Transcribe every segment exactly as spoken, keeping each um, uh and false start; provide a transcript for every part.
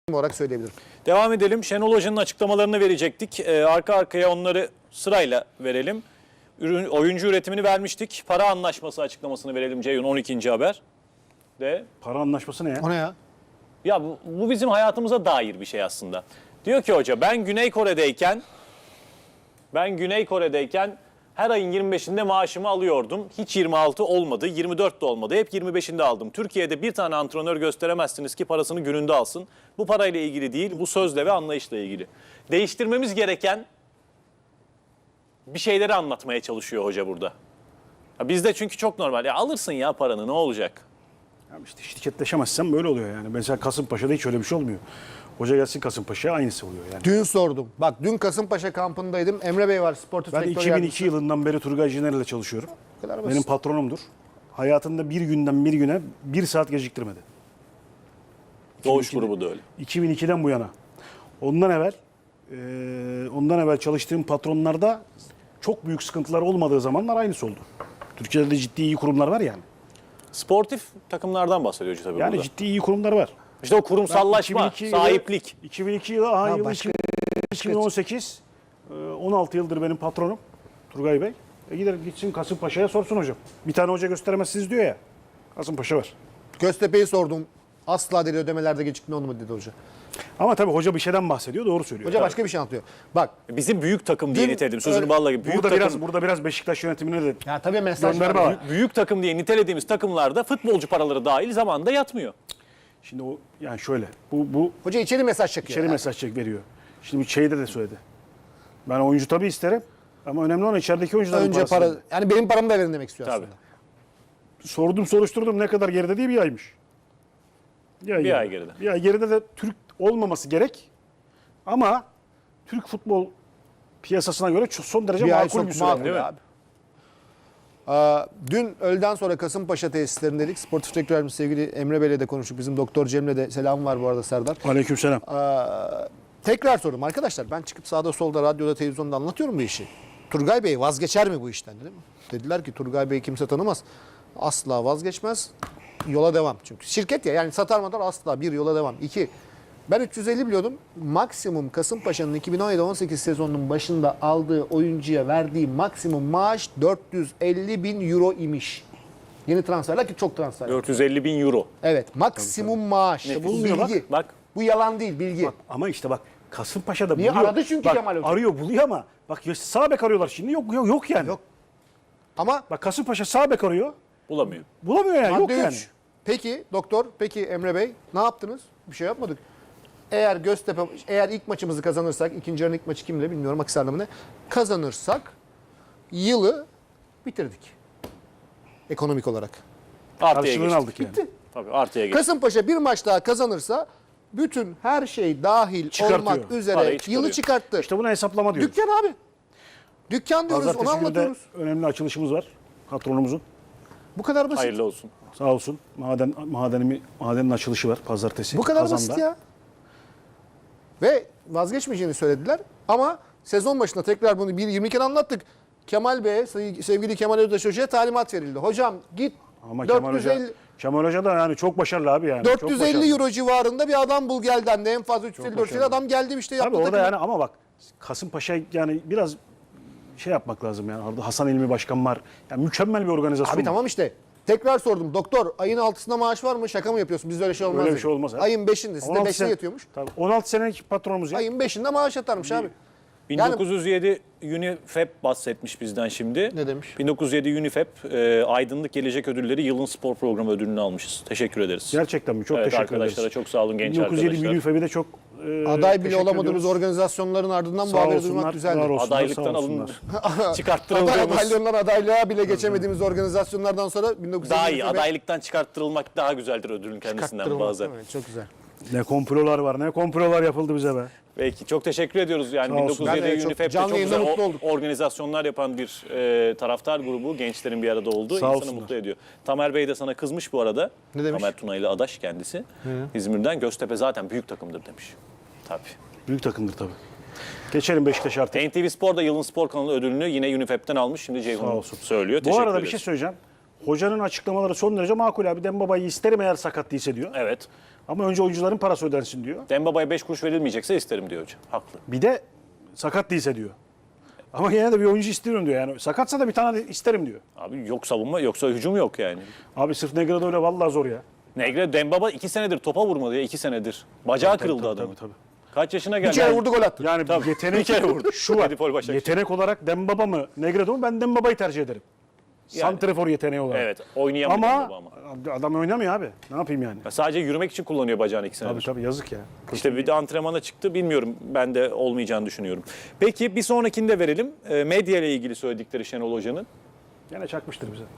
olarak söyleyebilirim. Devam edelim. Şenol Hoca'nın açıklamalarını verecektik. Ee, arka arkaya onları sırayla verelim. Ürün, oyuncu üretimini vermiştik. Para anlaşması açıklamasını verelim Ceyhun, on ikinci haber. De. Para anlaşması ne ya? O ne ya? Ya bu, bu bizim hayatımıza dair bir şey aslında. Diyor ki hoca, ben Güney Kore'deyken ben Güney Kore'deyken her ayın yirmi beşinde maaşımı alıyordum. Hiç yirmi altı olmadı, yirmi dört de olmadı. Hep yirmi beşinde aldım. Türkiye'de bir tane antrenör gösteremezsiniz ki parasını gününde alsın. Bu parayla ilgili değil, bu sözle ve anlayışla ilgili. Değiştirmemiz gereken bir şeyleri anlatmaya çalışıyor hoca burada. Ya bizde çünkü çok normal. Ya alırsın ya paranı, ne olacak? Ya işte şirketleşemezsen böyle oluyor yani. Mesela Kasımpaşa'da hiç öyle bir şey olmuyor. Hoca gelsin Kasımpaşa'ya aynısı oluyor yani. Dün sordum. Bak dün Kasımpaşa kampındaydım. Emre Bey var, sportif Ben direktör iki bin iki yardımcısı. yılından beri Turgay Ciner'le ile çalışıyorum. Bu kadar basit. Benim patronumdur. Hayatında bir günden bir güne bir saat geciktirmedi. Doğuş grubu da öyle. iki bin ikiden bu yana. Ondan evvel e, ondan evvel çalıştığım patronlarda çok büyük sıkıntılar olmadığı zamanlar aynısı oldu. Türkiye'de de ciddi iyi kurumlar var yani. Sportif takımlardan bahsediyor hoca tabii Yani burada. ciddi iyi kurumlar var. İşte o kurumsallaşma, iki bin iki yılı- sahiplik. iki bin iki yılı, aha, Ha, yılı başka- iki bin on sekiz, e, on altı yıldır benim patronum Turgay Bey. E gider gitsin Kasımpaşa'ya sorsun hocam. Bir tane hoca gösteremezsiniz diyor ya. Kasımpaşa var. Göztepe'yi sordum. Asla dedi ödemelerde gecikme olmadı dedi hoca. Ama tabii hoca bir şeyden bahsediyor, doğru söylüyor. Hoca başka bir şey anlatıyor. Bak. Bizim büyük takım diye Dün nitelediğimiz, sözünü öyle- balla gibi. Büyük burada takım, biraz burada biraz Beşiktaş yönetimine de Ya tabii mesaj gönderme var. var. büyük takım diye nitelediğimiz takımlarda futbolcu paraları dahil zamanında yatmıyor. Şimdi o yani şöyle. Bu bu Hoca içeri mesaj çekiyor. içeri Yani. mesaj çek veriyor. Şimdi bu şeyde de söyledi. Ben oyuncu tabii isterim ama önemli olan içerideki oyuncuların Önce parası. para, yani benim paramı da verin demek istiyor Tabii. aslında. Sordum soruşturdum ne kadar geride diye bir aymış. Bir ay, Bir ay geride. Bir ay geride de Türk olmaması gerek. Ama Türk futbol piyasasına göre çok son derece Bir ay makul çok bir süre. makul Değil mi? abi. Aa, dün öğleden sonra Kasımpaşa tesislerindeydik. Sportif direktör yardımcısı sevgili Emre Bey'le de konuştuk. Bizim Doktor Cem'le de selam var bu arada Serdar. Aleykümselam. Aa, tekrar sordum arkadaşlar, ben çıkıp sağda solda radyoda televizyonda anlatıyorum bu işi. Turgay Bey vazgeçer mi bu işten dedim. Dediler ki Turgay Bey kimse tanımaz. Asla vazgeçmez. Yola devam. Çünkü şirket ya, yani satar matar asla, bir yola devam. İki, ben üç yüz elli biliyordum. Maksimum Kasımpaşa'nın iki bin on yedi on sekiz sezonunun başında aldığı oyuncuya verdiği maksimum maaş dört yüz elli bin euro imiş. Yeni transferler ki çok transfer. dört yüz elli bin euro. Evet, maksimum maaş. Bu bulunuyor bak. bilgi. Bak. Bu yalan değil, bilgi. Bak, ama işte bak Kasımpaşa'da Niye? buluyor. Aradı çünkü Bak, Kemal Hoca. arıyor buluyor ama bak ya sağ bek arıyorlar şimdi yok yok, yok yani. Yok. Ama Bak Kasımpaşa sağ bek arıyor. Bulamıyor. Bulamıyor yani yok madde yani. üç. Peki doktor, peki Emre Bey ne yaptınız? Bir şey yapmadık. Eğer Göztepe, eğer ilk maçımızı kazanırsak, ikinci yarının ilk maçı kimle bilmiyorum, Akhisar'la mı ne? Kazanırsak yılı bitirdik. Ekonomik olarak. Artıya Karşılığını geçtik. aldık yani. Bitti. Tabii artıya geçtik. Kasımpaşa bir maç daha kazanırsa bütün her şey dahil Çıkartıyor. olmak üzere Parayı çıkarıyor. yılı çıkarttı. İşte buna hesaplama diyoruz. Dükkan abi. Dükkan diyoruz, onu Pazartesi günü de anlatıyoruz. önemli açılışımız var. Patronumuzun. Bu kadar basit. Hayırlı olsun. Sağ olsun. Maden madenimi madenin açılışı var pazartesi. Bu kadar Kazan'da. basit ya. Ve vazgeçmeyeceğini söylediler. Ama sezon başında tekrar bunu bir yirmi kere anlattık. Kemal Bey'e, sevgili Kemal Özdaş Hoca'ya talimat verildi. Hocam git Ama Kemal dört yüz elli, Hoca, Kemal Hoca da yani çok başarılı abi yani. dört Çok yüz başarılı. elli euro civarında bir adam bul gel dendi. En fazla üç yüz elli dört yüz elli başarılı. adam geldi işte yaptı. Abi orada takımı. yani ama bak Kasımpaşa yani biraz şey yapmak lazım yani. Orada Hasan İlmi Başkan var. Yani mükemmel bir organizasyon. Abi var. tamam işte. Tekrar sordum. Doktor ayın altısında maaş var mı? Şaka mı yapıyorsun? Bizde öyle şey olmaz. Öyle bir dedi. şey olmaz abi. Ayın beşinde. Sizde on altı beşte sene- yatıyormuş. Tabii on altı senelik patronumuz ya. Ayın beşinde maaş yatarmış abi. bin dokuz yüz yedi UNIFEP bahsetmiş bizden şimdi. Ne demiş? bin dokuz yüz yedi UNIFEP e, Aydınlık Gelecek Ödülleri Yılın Spor Programı ödülünü almışız. Teşekkür ederiz. Gerçekten mi? Çok Evet, teşekkür arkadaşlara ederiz. çok sağ olun genç bin dokuz yüz yedi arkadaşlar. UNIFEB'e de çok e, Aday bile teşekkür olamadığınız ediyoruz. organizasyonların ardından bu Sağ haberi olsunlar, duymak var güzeldi. olsunlar, Adaylıktan sağ alın olsunlar. Aday çıkarttırıldığımız adaylığından adaylığa bile geçemediğimiz organizasyonlardan sonra bin dokuz yüz daha yedi iyi. Adaylıktan çıkarttırılmak daha güzeldir ödülün kendisinden Çıkarttırılmak, bazen. evet, çok güzel. Ne komplolar var, ne komplolar yapıldı bize be. Peki çok teşekkür ediyoruz. Yani Sağ bin olsun. dokuz yüz yedi Ben de çok UNIFEP'te canlı çok yayında güzel mutlu o- olduk. organizasyonlar yapan bir e, taraftar grubu, gençlerin bir arada olduğu Sağ insanı olsunlar. mutlu ediyor. Tamer Bey de sana kızmış bu arada. Ne demiş? Tamer Tunaylı Adaş kendisi. İzmir'den Göztepe zaten büyük takımdır demiş. Tabii. Büyük takımdır tabii. Geçelim Beşiktaş artık. N T V Spor da Yılın Spor Kanalı ödülünü yine UNIFEP'ten almış. Şimdi Sağ Ceyhun olsun. söylüyor. Bu Teşekkür arada bir ederiz. şey söyleyeceğim. Hocanın açıklamaları son derece makul abi. Dembaba'yı isterim eğer sakat değilse diyor. Evet. Ama önce oyuncuların parası ödensin diyor. Dembaba'ya beş kuruş verilmeyecekse isterim diyor hoca. Haklı. Bir de sakat değilse diyor. Ama yine de bir oyuncu istiyorum diyor. Yani sakatsa da bir tane isterim diyor. Abi yok savunma yoksa hücum yok yani. Abi sırf Negredo öyle vallahi zor ya. Negre Dembaba iki senedir topa vurmadı ya iki senedir. Bacağı kırıldı tabii, adamın. tabii, Kaç yaşına Bir geldi? kere vurdu gol attı. Yani Tabii. yetenek Bir kere vurdu. Şu var. Edipol Başakşehir. Yetenek olarak Dembaba mı Negredo mu? Ben Dembaba'yı tercih ederim. Yani. Santrafor yeteneği olarak. Evet, oynayamıyor Ama, Dembaba ama. adam oynamıyor abi. Ne yapayım yani? Ya sadece yürümek için kullanıyor bacağını iki senedir. Tabii tabii yazık ya. İşte bir de antrenmana çıktı. Bilmiyorum. Ben de olmayacağını düşünüyorum. Peki bir sonrakini de verelim. E, medya ile ilgili söyledikleri Şenol Hoca'nın. Gene çakmıştır bize.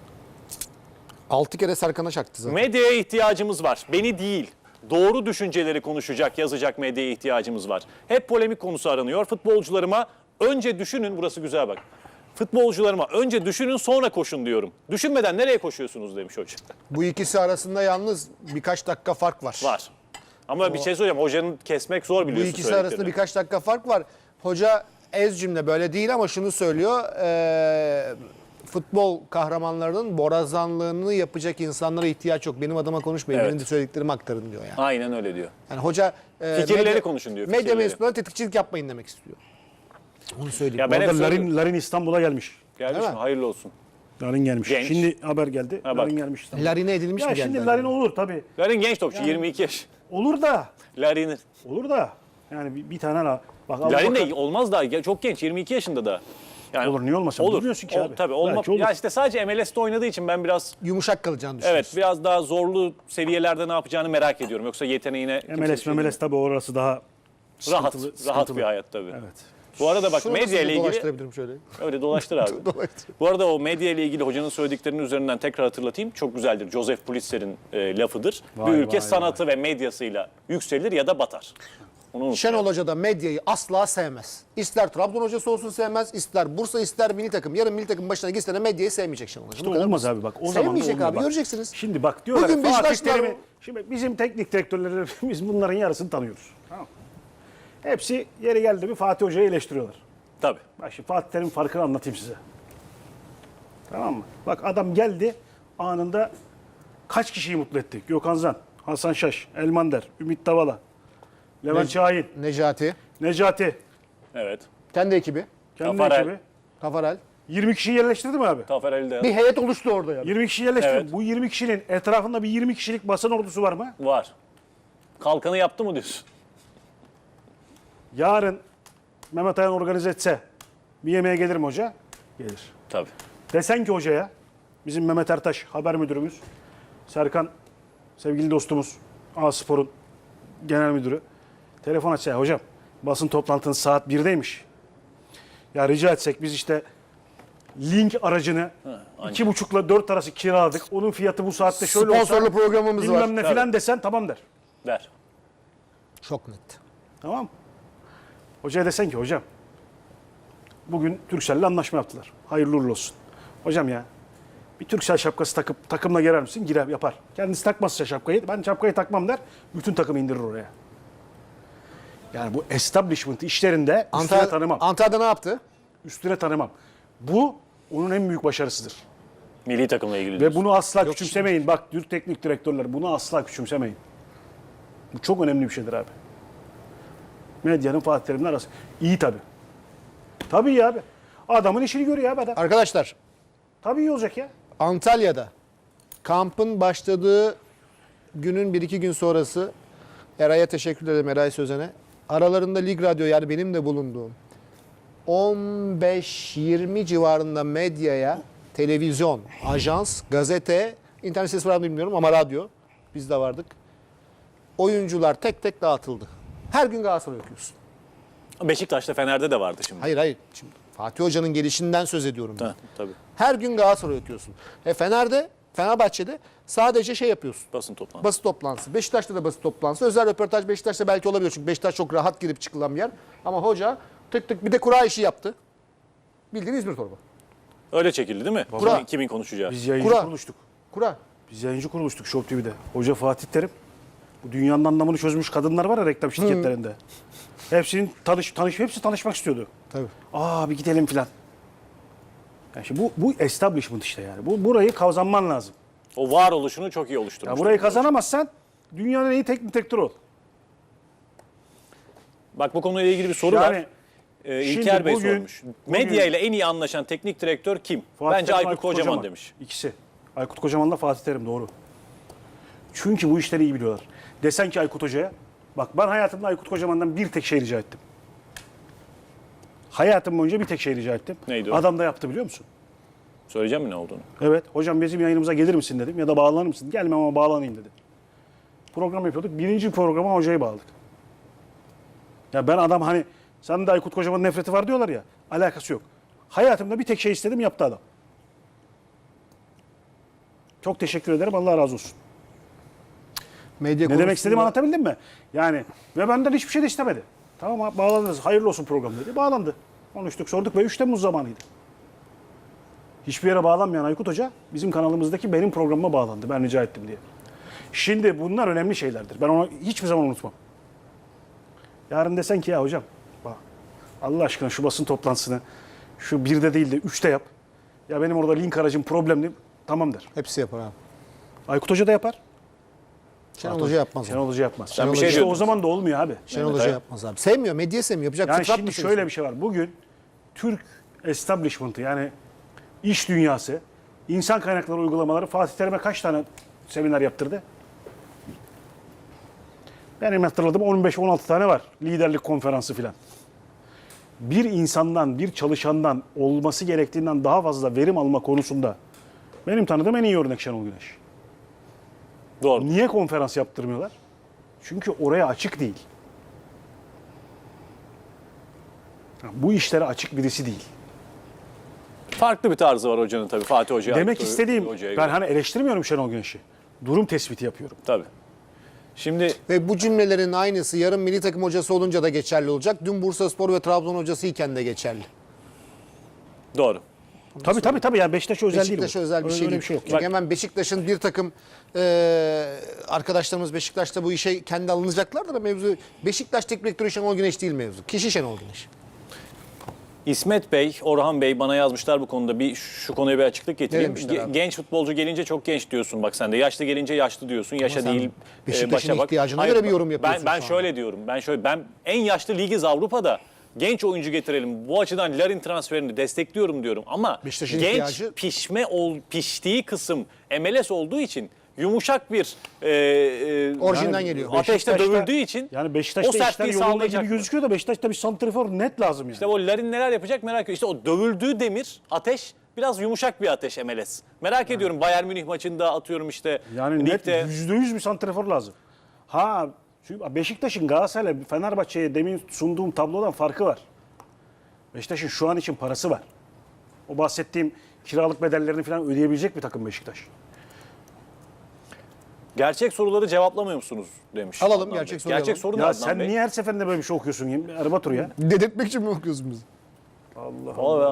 Altı kere Serkan'a çaktı zaten. Medyaya ihtiyacımız var. Beni değil. Doğru düşünceleri konuşacak, yazacak medyaya ihtiyacımız var. Hep polemik konusu aranıyor. Futbolcularıma önce düşünün, burası güzel bak. Futbolcularıma önce düşünün sonra koşun diyorum. Düşünmeden nereye koşuyorsunuz demiş hoca. Bu ikisi arasında yalnız birkaç dakika fark var. Var. Ama bir şey söyleyeceğim. Hocanın kesmek zor Bu biliyorsun ikisi söylediklerini. arasında birkaç dakika fark var. Hoca ez cümle böyle değil ama şunu söylüyor. eee, futbol kahramanlarının borazanlığını yapacak insanlara ihtiyaç yok. Benim adıma konuşmayın. Evet. Benim de söylediklerimi aktarın diyor yani. Aynen öyle diyor. Yani hoca e, Fikirleri konuşun diyor, Medya fikirleri. mensuplarına tetikçilik yapmayın demek istiyor. Onu söyleyeyim. Ya ben Bu hep arada söylüyorum. Larin, Larin İstanbul'a gelmiş. Gelmiş Değil mi? mi? Hayırlı olsun. Larin gelmiş. Genç. Şimdi haber geldi. Ha, bak. Larin gelmiş İstanbul'a. Larine edilmiş Ya mi geldi? şimdi acaba? Larin olur tabii. Larin genç topçu. yirmi iki yaş. Olur da. Larin'in. Olur da. Yani bir, bir tane la. Bak Abu Larin Bakar- de olmaz daha. Çok genç. yirmi iki yaşında da. Yani Olur, niye olmasın? Olur. Bilmiyorsun ki Ol- abi. Tabii olma. Belki olur. Ya işte sadece M L S'te oynadığı için ben biraz Yumuşak kalacağını düşünüyorsun. evet biraz daha zorlu seviyelerde ne yapacağını merak ediyorum. Yoksa yeteneğine kimse M L bir S, şey M L S tabii orası daha rahat, sıkıntılı, rahat sıkıntılı. bir hayat tabii. Evet. Bu arada bak Şunu medya nasıl ile ilgili dolaştırabilirim şöyle? öyle dolaştır abi. Dolaştır. Bu arada o medya ile ilgili hocanın söylediklerinin üzerinden tekrar hatırlatayım. Çok güzeldir. Joseph Pulitzer'in e, lafıdır. Vay, bir ülke vay, sanatı ve medyasıyla yükselir ya da batar. Onu unutmayın. Şenol Hoca da medyayı asla sevmez. İster Trabzon hocası olsun sevmez, ister Bursa, ister milli takım. Yarın milli takım başına gitse de medyayı sevmeyecek Şenol Hoca. İşte Bu kadar olmaz basit. abi bak. O zaman da Sevmeyecek olmuyor abi, bak. göreceksiniz. Şimdi bak diyorlar Bugün Bugün Fatih Beşiktaşlar- Terim'i. Şimdi bizim teknik direktörleri biz bunların yarısını tanıyoruz. Tamam. Hepsi yeri geldi mi Fatih Hoca'yı eleştiriyorlar. Tabii. Bak şimdi Fatih Terim'in farkını anlatayım size. Tamam mı? Bak adam geldi anında kaç kişiyi mutlu etti? Gökhan Zan, Hasan Şaş, Elmander, Ümit Davala, Levent Ne- Şahin, Necati, Necati, Evet. kendi ekibi, kendi Tafarel. ekibi. Tafarel. yirmi kişiyi yerleştirdi mi abi? Tafer Ali de Bir heyet oluştu orada yani. yirmi kişi yerleştirdi. Evet. Bu yirmi kişinin etrafında bir yirmi kişilik basın ordusu var mı? var. Kalkanı yaptı mı diyorsun? Yarın Mehmet Ayan organize etse bir yemeğe gelir mi hoca? Gelir. Tabii. Desen ki hocaya, bizim Mehmet Ertaş haber müdürümüz, Serkan sevgili dostumuz, A-Spor'un genel müdürü, telefon açsa, hocam basın toplantınız saat birdeymiş. Ya rica etsek biz işte link aracını iki buçukla dört arası kiraladık. Onun fiyatı bu saatte şöyle olsa Sponsorlu programımız bilmem var. ne Tabii. filan desen tamam der. Der. Çok net. Tamam. Hocaya desen ki hocam bugün Turkcell'le anlaşma yaptılar. Hayırlı uğurlu olsun. Hocam ya bir Turkcell şapkası takıp takımla girer misin? Girer yapar. Kendisi takmazsa şapkayı ben şapkayı takmam der. Bütün takımı indirir oraya. Yani bu establishment işlerinde üstüne Antalya, tanımam. Antalya'da ne yaptı? Üstüne tanımam. Bu onun en büyük başarısıdır. Milli takımla ilgili Ve diyorsun. bunu asla küçümsemeyin. Bak Türk teknik direktörler bunu asla küçümsemeyin. Bu çok önemli bir şeydir abi. Medyanın Fatih Terim'le arası. İyi tabii. Tabii iyi abi. Adamın işini görüyor abi adam. Arkadaşlar, Tabii iyi olacak ya. Antalya'da kampın başladığı günün bir iki gün sonrası Eray'a teşekkür ederim, Eray Sözen'e. Aralarında Lig Radyo, yani benim de bulunduğum on beş yirmi civarında medyaya, televizyon, ajans, gazete, internet sitesi var mı bilmiyorum ama radyo, biz de vardık. Oyuncular tek tek dağıtıldı. Her gün Galatasaray okuyorsun. Beşiktaş'ta Fener'de de vardı şimdi. Hayır hayır. Şimdi Fatih Hoca'nın gelişinden söz ediyorum ben. Ha, tabii. Her gün Galatasaray okuyorsun. E Fener'de, Fenerbahçe'de sadece şey yapıyorsun. Basın toplantısı. Basın toplantısı. Beşiktaş'ta da basın toplantısı. Özel röportaj Beşiktaş'ta belki olabiliyor. Çünkü Beşiktaş çok rahat girip çıkılan bir yer. Ama hoca tık tık bir de kura işi yaptı. Bildiğin İzmir torba. Öyle çekildi değil mi? Kura. Kimin, kimin konuşacağı. Biz yayıncı Kura. kuruluştuk. Kura. Biz yayıncı kuruluştuk Show T V'de. Hoca Fatih Terim. Bu dünyanın anlamını çözmüş kadınlar var ya reklam şirketlerinde. Hepsinin tanış, tanış, hepsi tanışmak istiyordu. Tabii. Aa bir gidelim filan. Yani şimdi bu, bu establishment işte yani. Bu, burayı kazanman lazım. O varoluşunu çok iyi oluşturmuş. Ya burayı kazanamazsan dünyanın en iyi teknik direktörü ol. Bak bu konuyla ilgili bir soru Yani var. Ee, şimdi İlker Bey bugün- sormuş. Medya ile en iyi anlaşan teknik direktör kim? Fatih Bence Terim, Aykut, Kocaman, demiş. İkisi. Aykut Kocaman'la Fatih Terim doğru. Çünkü bu işleri iyi biliyorlar. Desen ki Aykut Hoca'ya, bak ben hayatımda Aykut Kocaman'dan bir tek şey rica ettim. Hayatım boyunca bir tek şey rica ettim. Neydi o? Adam da yaptı biliyor musun? Söyleyeceğim mi ne olduğunu? Evet, hocam bizim yayınımıza gelir misin dedim ya da bağlanır mısın? Gelmem ama bağlanayım dedi. Program yapıyorduk. Birinci programa hocayı bağladık. Ya ben adam hani, sen de Aykut Kocaman'ın nefreti var diyorlar ya, alakası yok. Hayatımda bir tek şey istedim, yaptı adam. Çok teşekkür ederim, Allah razı olsun. Medya Ne demek istediğimi konusunda- anlatabildim mi? Yani ve benden hiçbir şey de istemedi. Tamam abi, bağlandınız, hayırlı olsun program dedi. Bağlandı. Konuştuk, sorduk ve üç Temmuz zamanıydı. Hiçbir yere bağlanmayan Aykut Hoca bizim kanalımızdaki benim programıma bağlandı. Ben rica ettim diye. Şimdi bunlar önemli şeylerdir. Ben onu hiçbir zaman unutmam. Yarın desen ki ya hocam bak Allah aşkına şu basın toplantısını şu birde değil de üçte yap. Ya benim orada link aracım problemli. Tamam der. Hepsi yapar abi. Aykut Hoca da yapar. Şenol Hoca yapmaz. Şenol Hoca yapmaz. Sen bir şey işte diyordun. o zaman da olmuyor abi. Şenol Evet, Hoca evet. yapmaz abi. Sevmiyor, medya sevmiyor. Yapacak Yani fıtrat şimdi meselesi. şöyle bir şey var. Bugün Türk establishment'ı yani iş dünyası, insan kaynakları uygulamaları Fatih Terim'e kaç tane seminer yaptırdı? Benim hatırladığım on beş on altı tane var. Liderlik konferansı filan. Bir insandan, bir çalışandan olması gerektiğinden daha fazla verim alma konusunda benim tanıdığım en iyi örnek Şenol Güneş. Doğru. Niye konferans yaptırmıyorlar? Çünkü oraya açık değil. Bu işlere açık birisi değil. Farklı bir tarzı var hocanın tabii Fatih Hoca'ya. Demek Aykut istediğim, Hoca'ya ben göre. hani eleştirmiyorum Şenol Güneş'i. Durum tespiti yapıyorum. Tabii. Şimdi Ve bu cümlelerin aynısı yarın milli takım hocası olunca da geçerli olacak. Dün Bursaspor ve Trabzon hocası iken de geçerli. doğru. Tabii tabii tabii yani Beşiktaş'a özel değil bu. Beşiktaş'a özel bir Öyle- şey öyle değil. bir şey yok. Çünkü hemen Beşiktaş'ın bir takım e, arkadaşlarımız Beşiktaş'ta bu işe kendi alınacaklardır da mevzu Beşiktaş teknik direktörü Şenol Güneş değil mevzu. Kişi Şenol Güneş. İsmet Bey, Orhan Bey bana yazmışlar bu konuda. Bir şu konuya bir açıklık getireyim. demişler Ge- abi? genç futbolcu gelince çok genç diyorsun bak sen de. Yaşlı gelince yaşlı diyorsun. Yaşa sen değil. Beşiktaş'ın başa bak. ihtiyacına Hayır, göre bir yorum yapıyorsun Ben ben şu şöyle diyorum. Ben şöyle ben en yaşlı ligiz Avrupa'da. Genç oyuncu getirelim. Bu açıdan Larin transferini destekliyorum diyorum ama Beşiktaş'ın genç ihtiyacı- pişme ol, piştiği kısım M L S olduğu için yumuşak bir e, e, Orijinden yani geliyor. ateşte Beşiktaş'ta- dövüldüğü için Yani Beşiktaş'ta o işler sertliği yolunda sağlayacak gibi mı? gözüküyor da Beşiktaş'ta bir santrifor net lazım yani. İşte o Larin neler yapacak merak ediyorum. İşte o dövüldüğü demir, ateş biraz yumuşak bir ateş M L S. Merak ediyorum Bayern Münih maçında atıyorum işte Yani net ligde. yüzde yüz bir santrifor lazım. Ha çünkü Beşiktaş'ın Galatasaray'la Fenerbahçe'ye demin sunduğum tablodan farkı var. Beşiktaş'ın şu an için parası var. O bahsettiğim kiralık bedellerini falan ödeyebilecek bir takım Beşiktaş. Gerçek soruları cevaplamıyor musunuz demiş. Alalım, Adnan gerçek Bey. soruyu Gerçek alalım. soru ne Ya Adnan sen Bey? niye her seferinde böyle bir şey okuyorsun Erbatur ya? Dedirtmek için mi okuyorsun bizi? Allah Vallahi